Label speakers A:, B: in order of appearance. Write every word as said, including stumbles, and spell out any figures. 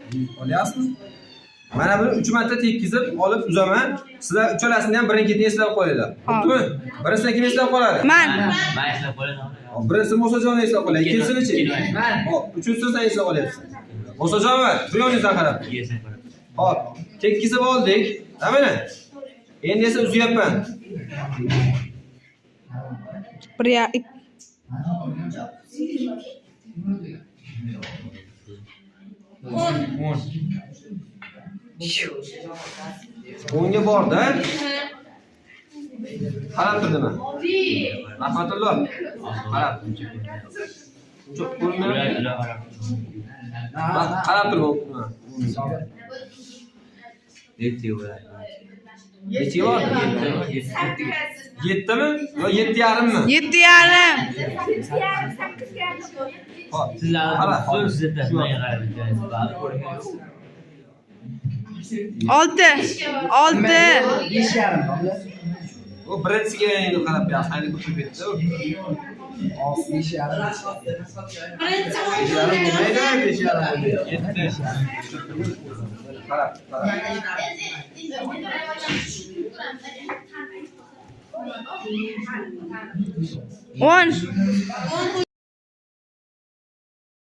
A: Olyapsizmi? Mana buni uch marta tekkizib olib uzaman. Sizlar uchalasini ham birin-ketin eslab qo'yinglar. Xo'pmi? Birinchisidan kim eslab qoladi?
B: Men.
C: Men eslab qolaman.
A: Birinchisi Musajon eslab qoladi. Ikkinchisi-chi? Hop, uchinchisi sen eslab qolyapsan. Musajon, bu yoningizdan qarab. Hop, tekkizib oldik. Mana. Endi esa uzyapman.
B: Bir ya
A: o'nga borda. Qarab turdimi? Rahmatulloh. Qarab. Cho'q ko'rmayapti. Qarab turibman.
C: Yetti bo'ladi.
A: Necha bor? yettimi? Yo yetti yarimmi?
B: yetti yarim.
A: Hop.
C: Sizlar so'z sizda menga qarab turasiz.
B: olti. olti.
D: besh yarim.
A: O birinchisiga endi qarab berasiz. Hayli ko'pib ketdi.
D: besh yarim.
A: besh yarim bo'lmaydi, besh yarim bo'lmaydi. yetti. Qarab, qarab.
B: o'n.